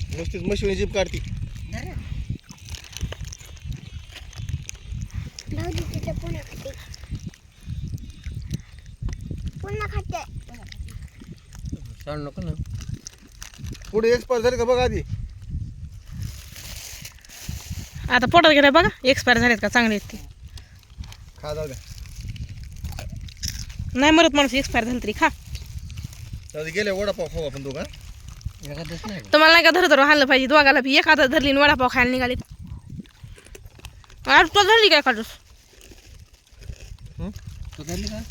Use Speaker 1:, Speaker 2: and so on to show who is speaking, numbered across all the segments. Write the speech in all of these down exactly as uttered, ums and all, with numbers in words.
Speaker 1: नुसतीच machine jeep काढती.
Speaker 2: सांग नको ना.
Speaker 1: पुढे एक्सपायर झाले का बघा आधी.
Speaker 3: आता पोटात गेलं बघा एक्सपायर झालेत का चांगले आहेत ते.
Speaker 1: खा जाऊ द्या.
Speaker 3: नाही मरत माणूस एक्सपायर झालं तरी खा.
Speaker 1: जाऊ दे गेले वडापाव खाऊ आपण दोघं.
Speaker 2: एखादंच नाही का?
Speaker 3: तुम्हाला नाही का धर धरून हाणलं पाहिजे दोघाला बी. एखादा धरली आणि वडापाव खायला निघाले. अरे तो धरली काय काढूस.
Speaker 2: तू धरली का?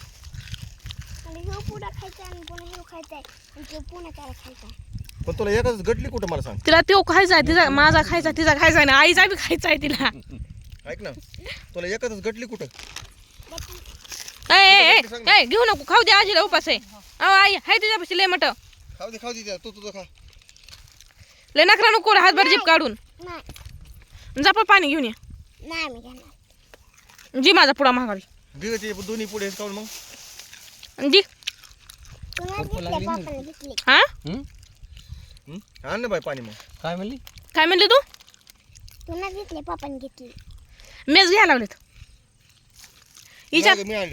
Speaker 1: पण तुला एकाच गटली कुठं मला सांग.
Speaker 3: तिला तो खायचा आहे तिचा माझा खायचा तिचा खायचा आहे ना आईचा बी खायचा आहे तिला.
Speaker 1: ऐक ना तुला एकाच गटली कुठं.
Speaker 3: ए, ए, ए, ए, घेऊ नको खाऊ दे आजीला उपास आहे. अहो आई हाय तिच्यापाशी लय मट
Speaker 1: खाऊ दे खाऊ दे तू तुझं खा.
Speaker 3: लय नकरा नको हातभर जीप काढून जा पण पाणी घेऊन ये. जी माझा पुडा महागारी
Speaker 1: दे ते दोन्ही पुढे काढून मग.
Speaker 3: जी हा
Speaker 2: हं?
Speaker 1: आण ना बाई पाणी मग.
Speaker 2: काय म्हणली?
Speaker 3: काय म्हणले तू.
Speaker 4: घेतले पापाने घेतली.
Speaker 3: मेज घ्यायला लागलेत हिच्यात.
Speaker 1: मी आणले.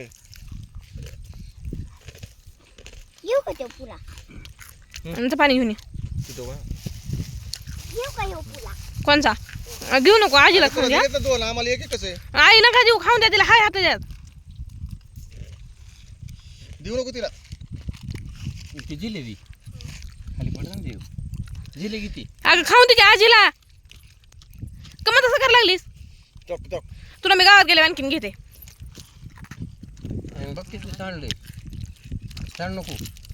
Speaker 4: येऊ का तो पुरा
Speaker 3: आणि ते पाणी घेऊन ये.
Speaker 1: तिथं बघा.
Speaker 4: येऊ का येऊ पुरा.
Speaker 3: कोणचा अं, घेऊ नको आजीला खाऊ द्या.
Speaker 1: तुला दोन आम्हाला एक एक कसं आहे.
Speaker 3: आई नका देऊ खाऊन द्या तिला हाय हाताच्यात.
Speaker 1: देऊ नको तिला.
Speaker 2: ती जिलेबी खाली पडत ना देऊ. जिलेबी ती
Speaker 3: अगं खाऊन दे की आजीला. कमत तसं करायला लागलीस.
Speaker 1: Talk talk.
Speaker 3: तुला मी गावात गेले आणखीन घेते.
Speaker 2: आणि बघ ते तू सांडले. सांड नको.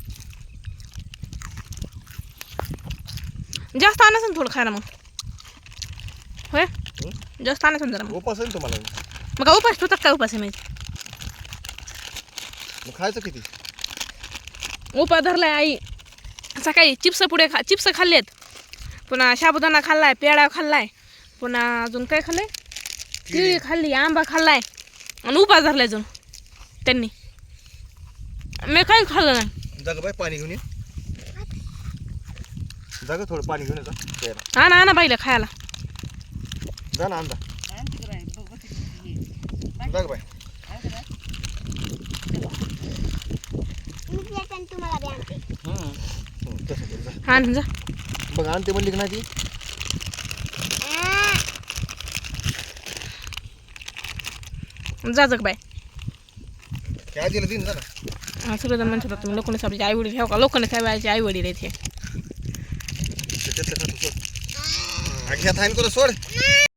Speaker 3: जास्त आणायचं ना थोडं खायला मग. होय जास्त आणायचं ना जरा मग.
Speaker 1: उपास आहे ना तुम्हाला.
Speaker 3: मग काय उपास तू काय उपास आहे माझी.
Speaker 1: मग खायचं किती.
Speaker 3: उपास धरलाय आई. सकाळी चिप्स पुढे खा चिप्स खाल्लेत. पुन्हा साबुदाणा खाल्लाय पेढा खाल्लाय. पुन्हा अजून काय खाल्लंय केळी खाल्ली आंबा खाल्लाय आणि उपास धरलाय अजून त्यांनी. मी काही खाल्लं नाही.
Speaker 1: जागा बाई पाणी घेऊन ये. जागा थोडं पाणी घेऊन ये.
Speaker 3: आणा आणा बाईला खायला.
Speaker 1: जा ना अंदा. जागा बाई.
Speaker 4: तुम्हाला बी आणते.
Speaker 1: तसं कर जा.
Speaker 3: आण जा
Speaker 1: बघ आणते म्हणली की नाही ती.
Speaker 3: जा जग बाय.
Speaker 1: ते आजीला देईन जा ना.
Speaker 3: सगळेजण म्हणत होता तुम्ही लोकांनी आपली आई वडील ठेव का लोकांनी काय आई वडील आहेत हे.
Speaker 1: त्याच्यातलं खातो सोड. ह्यात हाईन करू सोड.